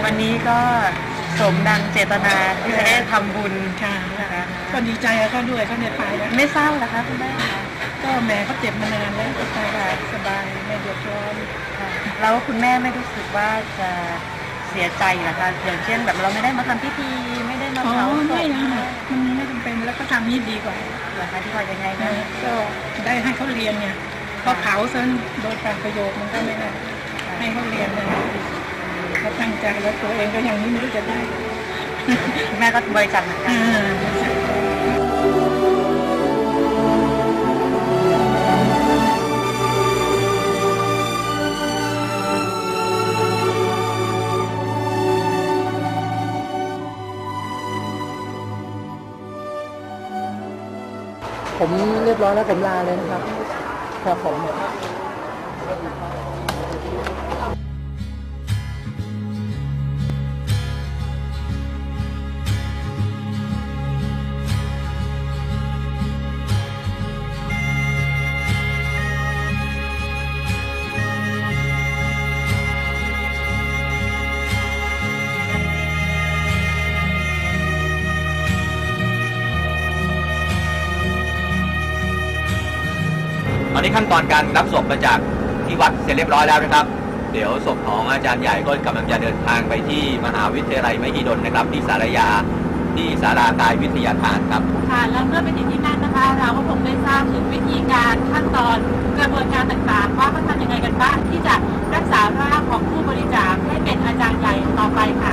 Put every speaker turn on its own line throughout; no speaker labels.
วันนี้ก็สมดังเจตนาที่จะได้ทำบุญ
ค่ะ
นะคะ
ก็ดีใจเขาด้วยเขาเนี่ยตายแล้ว
ไม่เศร้านะคะคุณแม่
ก็แม่เขาเจ็บมานานแล้วก็ตายได้สบายไม่เดือดร้อน
ค่ะแล้วคุณแม่ไม่รู้สึกว่าจะเสียใจเหรอคะอย่างเช่นแบบเราไม่ได้มาทำพิธีไม่ได้มา
อ๋อ
เผาศ
ไม่
พ
นะมันไม่จำเป็นแล้วก็ทำนี่ดีกว่า
เหรอคะที่ว่ายังไงนะ
ก็ได้ให้เขาเรียนไงพอเผาซะโดยการประโยชน์มันก็ไม่ได้ให้เขาเรียนนะเขาตั้งใจแล้วตัวเองก็ยังไม่รู้จะได้
คุณแม่ก็บริจาคเหมือนกัน
ผมเรียบร้อยแล้วผมลาเลยนะครับครับผม
ตอนนี้ขั้นตอนการรับศพมาจากที่วัดเสร็จเรียบร้อยแล้วนะครับเดี๋ยวศพของอาจารย์ใหญ่ก็กำลังจะเดินทางไปที่มหาวิทยาลัยมหิดลนะครับที่ศาลายาที่ศาลากายวิทยาทานครับ
ค่ะแล้วเมื่อไปถึงที่นั่นนะคะเราก็คงได้ทราบถึงวิธีการขั้นตอนกระบวนการต่างๆว่าเขาทำยังไงกันบ้างที่จะรักษาร่างของผู้บริจาคให้เป็นอาจารย์ใหญ่ต่อไปค่ะ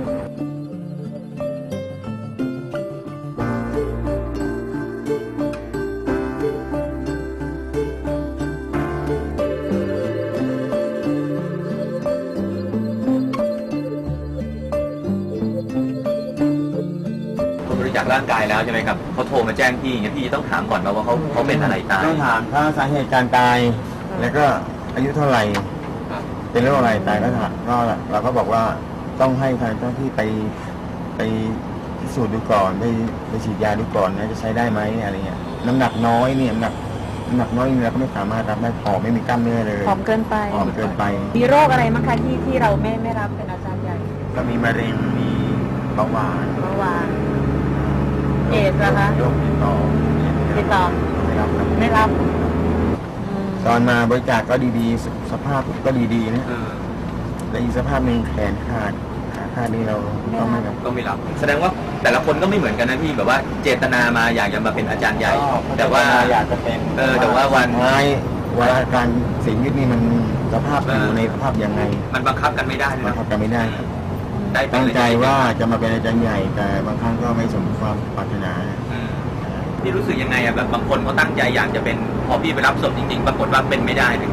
จากร่างกายแล้วใช่ไหมครับเขาโทรมาแจ้งพี่อย่างเงี้ยพี่ต้องถามก่อนว่าเขาเป็นอะไรตาย
ต้องถามถ้าสาเหตุการตายแล้วก็อายุเท่าไหร่เป็นโรคอะไรตายก็ถามก็เราก็บอกว่าต้องให้ทางเจ้าที่ไปพิสูจน์ดูก่อนไปฉีดยาดูก่อนนะจะใช้ได้ไหมอะไรเงี้ยน้ำหนักน้อยเนี่ยน้ำหนักน้อยเราก็ไม่สามารถรับได้ผอมไม่มีกล้ามเนื้อเลย
ผอมเกินไป
ผอมเกินไป
มีโรคอะไรมั้งคะที่เราไม่รับเป็นอาจารย์ใหญ่
ก็มีมะเร็งมีเบาหวาน
เมื่อวานเอดส์นะคะ
โรคติดต่อ ไม่รับครับ
ไม่รับ
ตอนมาบริจาคก็ดีๆสภาพก็ดีๆนะแต่อีกสภาพหนึ่งแขนขาดนี่เราก็ไม่รับ
แสดงว่าแต่ละคนก็ไม่เหมือนกันนะพี่แบบว่าเจตนามาอยากจะมาเป็นอาจารย์ใหญ่ แต่ว่า
อยากจะเป็น
แต่ว่าวัน
การเสียชีวิตนี่มันสภาพอยู่ในสภาพยังไง
มันบังคับกันไม่ได้
บังคับกันไม่ได้ครับตั้งใจว่าจะมาเป็นอาจารย์ใหญ่แต่บางครั้งก็ไม่สมความปรารถนา
พี่รู้สึกยังไงอะแบบบางคนเขาตั้งใจอยากจะเป็นพอพี่ไปรับศพจริงๆปรากฏว่าเป็นไม่ได้เลย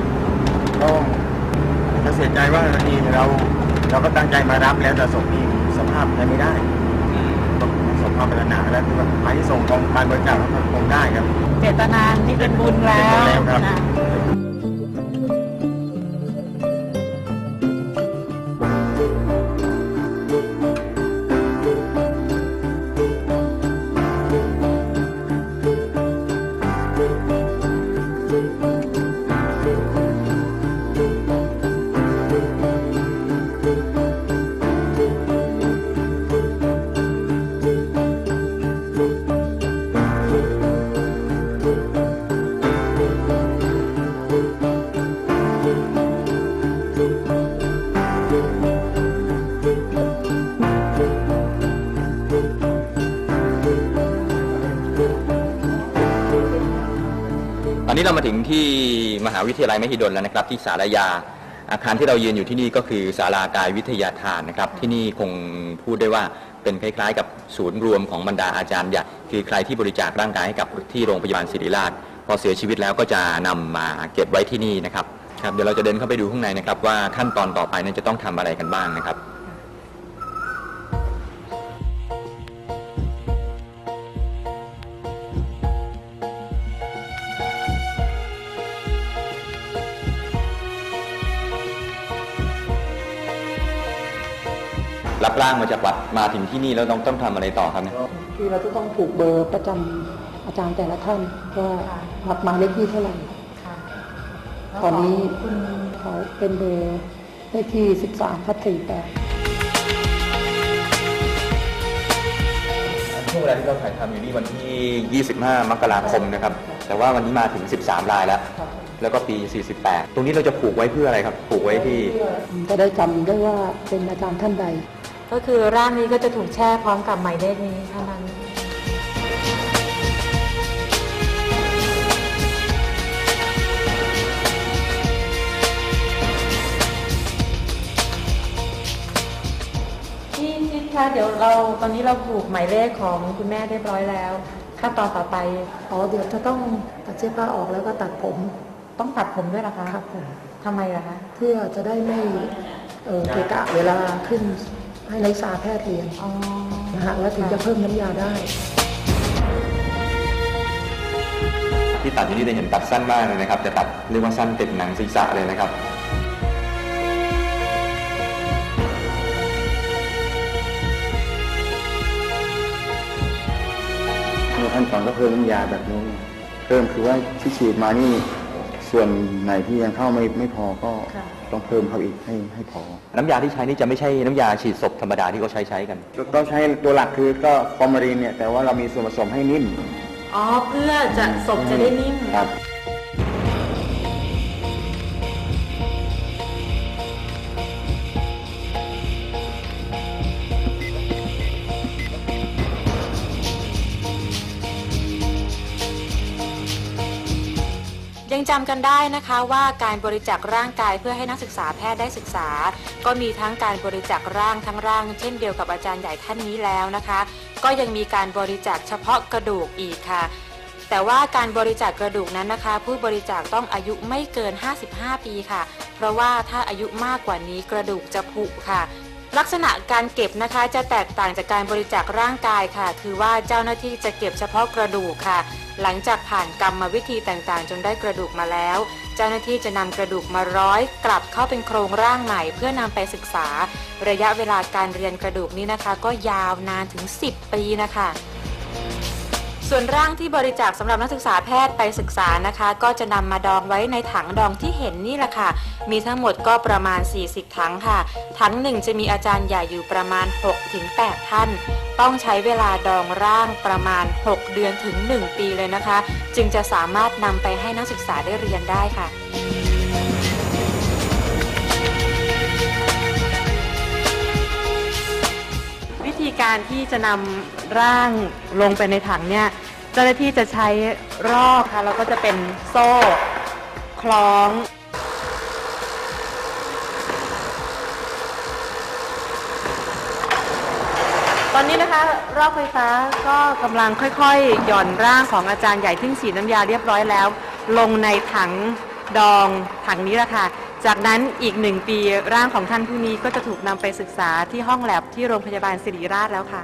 ก็เสียใจว่าทีเราก็ตั้งใจมารับแล้วแต่ศพนี้สภาพใช้ไม่ได้สมความปรารถนาแล้วที่ว่าหมายที่ส่งของการบริจาคก็คงได้ครับ
เจตนาที่เป็นบุญแล้วนะ
ตอนนี้เรามาถึงที่มหาวิทยาลัยมหิดลแล้วนะครับที่ศาลายาอาคารที่เรายืนอยู่ที่นี่ก็คือศาลากายวิทยาทานนะครับที่นี่คงพูดได้ว่าเป็นคล้ายๆกับศูนย์รวมของบรรดาอาจารย์ใหญ่คือใครที่บริจาคร่างกายให้กับที่โรงพยาบาลศิริราชพอเสียชีวิตแล้วก็จะนำมาเก็บไว้ที่นี่นะครับเดี๋ยวเราจะเดินเข้าไปดูข้างในนะครับว่าขั้นตอนต่อไปนั้นจะต้องทำอะไรกันบ้างนะครับ รับร่างมาจากวัดมาถึงที่นี่แล้วต้องทำอะไรต่อครับเนี่ย
คือเราจะต้องผูกเบอร์ประจำอาจารย์แต่ละท่านว่ารับมาเลขที่เท่าไหร่ตอนนี้เขาเป็นเบอร์เลขที่13/48
ลาที่เราถ่ายทำอยู่นี่วันที่ 25 มกราคมนะครับ แต่ว่าวันนี้มาถึง 13 รายแล้ว แล้วก็ปี 48 ตรงนี้เราจะผูกไว้เพื่ออะไรครับ ผูกไว้ที่
จะได้จำได้ว่าเป็นอาจารย์ท่านใด
ก็คือร่างนี้ก็จะถูกแช่พร้อมกับหมายเลขนี้เท่านั้น ที่คะเดี๋ยวตอนนี้เราผูกหมายเลขของคุณแม่เรียบร้อยแล้วขั้นตอนต่อไป
เดี๋ยวจะต้องตัดเสื้อผ้าออกแล้วก็ตัดผม
ต้องตัดผมด้วยเหรอคะ
ครับผม
ทำไมล่ะคะ
เพื่อจะได้ไม่เกะกะเวลาขึ้นให้นักศึกษาแพทย์เรียน
อ๋อ
นะฮะแล้วถึงจะเพิ่มน้ำยาได้
ที่ตัดอยู่นี่จะเห็นตัดสั้นมากเลยนะครับ จะตัดเรียกว่าสั้นติดหนังศีรษะเลยนะครับ
ขั้นตอนก็เพิ่มน้ำยาแบบนี้เพิ่มคือว่าที่ฉีดมานี่ส่วนไหนที่ยังเข้าไม่พอก็ต้องเพิ่มเข้าอีกให้พอ
น้ำยาที่ใช้นี่จะไม่ใช่น้ำยาฉีดศพธรรมดาที่เขาใช้กัน
ก็ใช้ตัวหลักคือก็ฟอร์มาลีนเนี่ยแต่ว่าเรามีส่วนผสมให้นิ่ม
อ๋อเพื่อจะศพจะได้นิ่ม
ครับ
ยังจำกันได้นะคะว่าการบริจาคร่างกายเพื่อให้นักศึกษาแพทย์ได้ศึกษา ก็มีทั้งการบริจาคร่างทั้งร่างเช่นเดียวกับอาจารย์ใหญ่ท่านนี้แล้วนะคะ ก็ยังมีการบริจาคเฉพาะกระดูกอีกค่ะ แต่ว่าการบริจาคกระดูกนั้นนะคะ ผู้บริจาคต้องอายุไม่เกิน 55 ปีค่ะ เพราะว่าถ้าอายุมากกว่านี้กระดูกจะผุค่ะ ลักษณะการเก็บนะคะจะแตกต่างจากการบริจาคร่างกายค่ะ คือว่าเจ้าหน้าที่จะเก็บเฉพาะกระดูกค่ะ หลังจากผ่านกรรมวิธีต่างๆจนได้กระดูกมาแล้ว เจ้าหน้าที่จะนำกระดูกมาร้อยกลับเข้าเป็นโครงร่างใหม่เพื่อนำไปศึกษา ระยะเวลาการเรียนกระดูกนี้นะคะ ก็ยาวนานถึง 10 ปีนะคะส่วนร่างที่บริจาคสำหรับนักศึกษาแพทย์ไปศึกษานะคะ ก็จะนำมาดองไว้ในถังดองที่เห็นนี่แหละค่ะมีทั้งหมดก็ประมาณ40ถังค่ะถังหนึ่งจะมีอาจารย์ใหญ่อยู่ประมาณ 6-8 ท่านต้องใช้เวลาดองร่างประมาณ6เดือนถึง1ปีเลยนะคะจึงจะสามารถนำไปให้นักศึกษาได้เรียนได้ค่ะ
วิธีการที่จะนำร่างลงไปในถังเนี่ยเจ้าหน้าที่จะใช้รอกค่ะแล้วก็จะเป็นโซ่คล้อง ตอนนี้นะคะรอกไฟฟ้าก็กำลังค่อยๆหย่อนร่างของอาจารย์ใหญ่ที่ฉีดน้ำยาเรียบร้อยแล้ว ลงในถังดองถังนี้แหละค่ะจากนั้นอีก1 ปีร่างของท่านผู้นี้ก็จะถูกนำไปศึกษาที่ห้องแลบที่โรงพยาบาลศิริราชแล้วค่ะ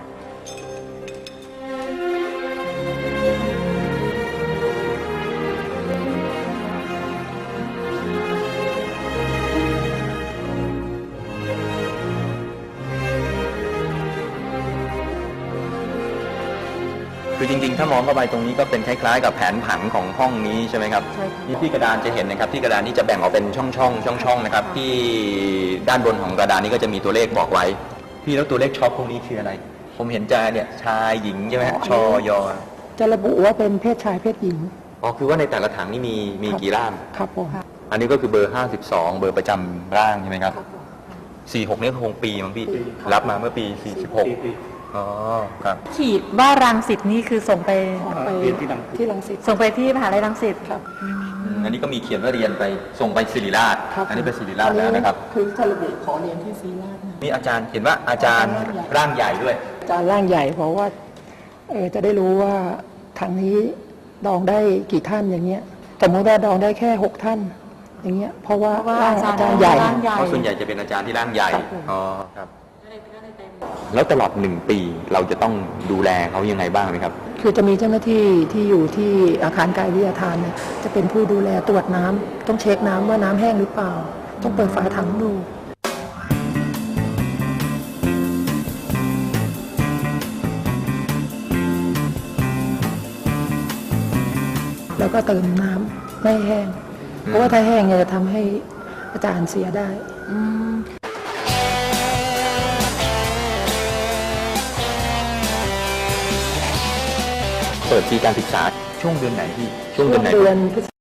คือจริงๆถ้ามองเข้าไปตรงนี้ก็เป็นคล้ายๆกับแผนผังของห้องนี้ใช่ไหมครับ
ใช่ค่ะ
นี่ที่กระดานจะเห็นนะครับที่กระดานนี้จะแบ่งออกเป็นช่องๆนะครับที่ด้านบนของกระดานนี้ก็จะมีตัวเลขบอกไว้พี่แล้วตัวเลขช็อปพวกนี้คืออะไรผมเห็นจะเนี่ยชายหญิงใช่ไหมฮะชอยอ
จะระบุว่าเป็นเพศชายเพศหญิง
อ๋อคือว่าในแต่ละถังนี่มีกี่ร่าง
ครับผม
อันนี้ก็คือเบอร์52เบอร์ประจำร่างใช่ไหมครับ46นี่คงปีมั้งพี่รับมาเมื่อปี46อ๋อครับ
ขีดว่ารังสิตนี่คือส่งไป
ไปที่รังสิต
ส่งไปที่มหาลัยรังสิต
ครับ
อันนี้ก็มีเขียนว่าเรียนไปส่งไปศิริราช
ครับ
อันนี้ไปศิริราชแล้วนะครับ
คือถ้าระบุขอเรียนที่ศรีราชนะ
นี่อาจารย์เห็นว่าอาจารย์ร่างใหญ่ด้วย
อาจารย์ร่างใหญ่เพราะว่าจะได้รู้ว่าทางนี้ดองได้กี่ท่านอย่างเงี้ยสมมติว่าดองได้แค่6 ท่านอย่างเงี้ยเพราะว่าร่างอาจารย์ใหญ่
เพราะส่วนใหญ่จะเป็นอาจารย์ที่ร่างใหญ่ อ๋อครับ แล้วตลอด1 ปีเราจะต้องดูแลเขายังไงบ้างไหมครับ
คือจะมีเจ้าหน้าที่ที่อยู่ที่อาคารกายวิทยาทานเนี่ยจะเป็นผู้ดูแลตรวจน้ำต้องเช็คน้ำว่าน้ำแห้งหรือเปล่า ต้องเปิดฝาถังดูแล้วก็เติมน้ำไม่แห้ง เพราะว่าถ้าแห้งเนี่ยจะทำให้อาจารย์เสียได้
เปิดปีการศึกษาช่วงเดือนไหนพี่ช่วงเดือนไหน
เดือนพฤศ